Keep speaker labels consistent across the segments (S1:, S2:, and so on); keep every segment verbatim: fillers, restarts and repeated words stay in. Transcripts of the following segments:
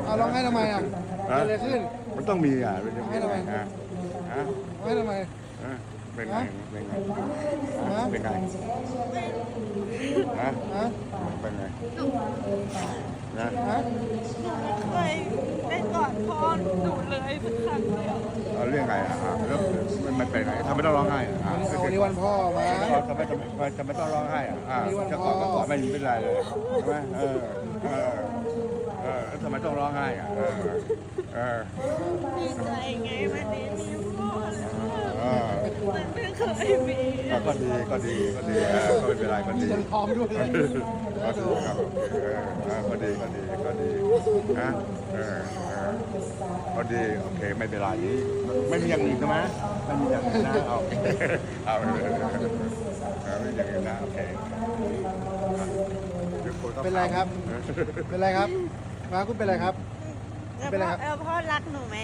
S1: เอาร้องให้ทำไมอ่ะเกิดอะไรขึ้น
S2: มันต้องมีอ่ะเป็นยัง
S1: ให้ทำไม
S2: ฮะฮะ
S1: ร้องให้ทำไม
S2: ฮะเป็นไงเป็นไง
S1: ฮะ
S2: เป็นไงฮะ
S1: ฮะ
S2: เป็นไงนะ
S1: ฮะ
S3: เคยได้กอดพ่อหนูเลยสักครั้งเดียว
S2: เอาเรื่องไงอ่ะอ่ะแล้วมันมันเป็นไงทำไมต้องร้องไห้อ่ะอ่ะ
S1: วันนี้วันพ่อมา
S2: ทำไมทำไมทำไมต้องร้องไห้อ่ะอ่ะ
S1: วันนี้วัน
S2: จะ
S1: พ่
S2: ก
S1: อ
S2: อดก็กอดไม่เป็นไรเลยใช่ไหมเออเออเออแล้วทำไมต้องร้องไห้อ่ะเออเออ
S3: ดีใจไงวันนี้มีพ่อแล้ว
S2: เออ
S3: มันไม่เคยมี
S2: ก็ก็ดีก็ดีก็ดีเออก็ไม่เป็นไรก็ดี
S1: ฉันพร้อมด้วย
S2: ก็ดีครับโอเคเออเออก็ดีก็ดีก็ดีนะเออเออก็ดีโอเคไม่เป็นไรไม่มีอย่างอื่นใช่ไหมไม่มีอย่างอื่นนะเอาเอาเออเออไม่มีอย่างอื่นนะโอเคดี๋ยวคต้อง
S1: เป็นไรครับ เป็นไรครับมาคุณเป็นไรครับ
S3: แล้ว
S1: เป็นไร
S3: พ่อ
S1: ครับ
S3: แล้วพ่อรักหนูไหม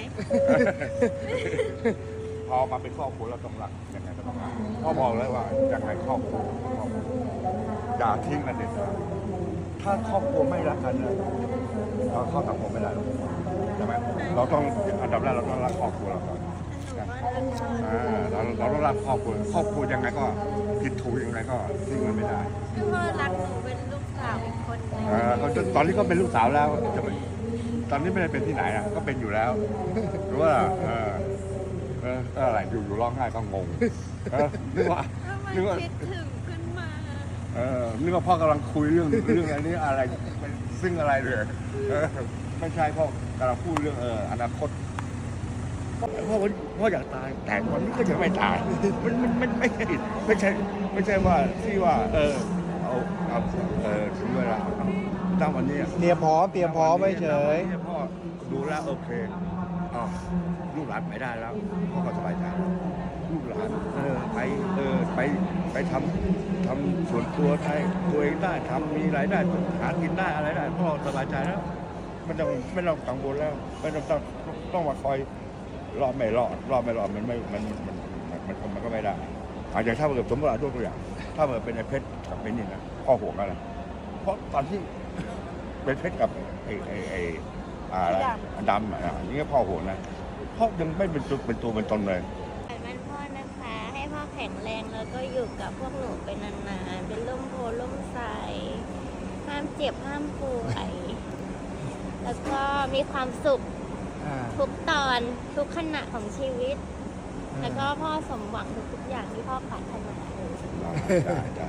S2: พอมาเป็นครอบครัวเราต้องรักยังไงก็ต้องรักพ่อบอกเลยว่ายังไงครอบครัวครอบครัวอย่าทิ้งกันเด็ดขาดถ้าครอบครัวไม่รักกันนะเราเข้าสังคมไม่ได้หรอกใช่ไหมเราต้องอันดับแรกเราต้องรักครอบครัวเราก่อน
S3: หนูก็รักพ่อ
S2: อ่าเราเราต้องรักครอบครัวครอบครัวยังไงก็ผิดถูกยังไงก็ทิ้งมันไม่ได้
S3: คือพ่อรักหนูเป็นลูกสาวอีกคนหนึง
S2: อ่าเขาจะตอนนี้ก็เป็นลูกสาวแล้วจะไปตอนนี้ไม่ได้เป็นที่ไหนนะก็เป็นอยู่แล้วหรือว่าเออเออเอออะไรอยู่อยู่ร้องไห้ก็งงเออนึกว่า
S3: แล้วมัน
S2: นึกว่า
S3: คิดถึงขึ้นมา
S2: เออนึกว่าพ่อกำลังคุยเรื่องเรื่องอะไรนี้อะไรซึ่งอะไรเลยเออไม่ใช่พ่อกำลังพูดเรื่องเอออนาคตพ่อพ่ออยากตายแต่วันนี้ก็ยังไม่ตายมันมันมันไม่ใช่ไม่ใช่ไม่ใช่ว่าที่ว่า เออเอาเอาเออถึงเวลาตั้งวันนี้
S1: เตรียมพร้อมเตรียมพร้อมไม่เฉย
S2: พ่อดูแล้วโอเคอ๋อลูกหลานไปได้แล้วพ่อก็สบายใจลูกหลานเออไปเออไปไปทำทำส่วนตัวไทยตัวเองได้ทำมีรายได้หากินได้อะไรได้พ่อสบายใจแล้วไม่ต้องไม่ต้องกังวลแล้วไม่ต้องต้องต้องมาคอยรอดไม่รอดรอดไม่รอดมันไม่มันมันมันมันมันก็ไม่ได้อาอย่างถ้าเกิดสมมติเรายกตัวอย่างถ้าเกิดเป็นไอ้เพชรกับไอ้นี่นะพ่อห่วงอะไรเพราะตอนที่เป็นเพชรกับไอ้ไอ้ไอ้อะไรดำอ่ะอย่างเงี้ยพ่อห่วงนะเพราะยังไม่เป็นตัวเป็นตัวเป็นตนเลย
S3: ขอให้มันพ่อนะคะ ให้พ่อแข็งแรงแล้วก็อยู่กับพวกหนูไปนานๆ เป็นร่มโพล่มใสห้ามเจ็บห้ามป่วย แล้วก็มีความสุข
S1: อ่า
S3: ทุกตอนทุกขณะของชีวิต แล้วก็พ่อสมหวังทุกๆอย่างที่พ่อปรารถนา
S2: ใช่ใช่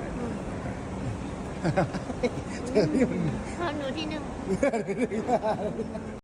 S1: เธอนี่มัน
S3: พ่อหนูที่หนึ่ง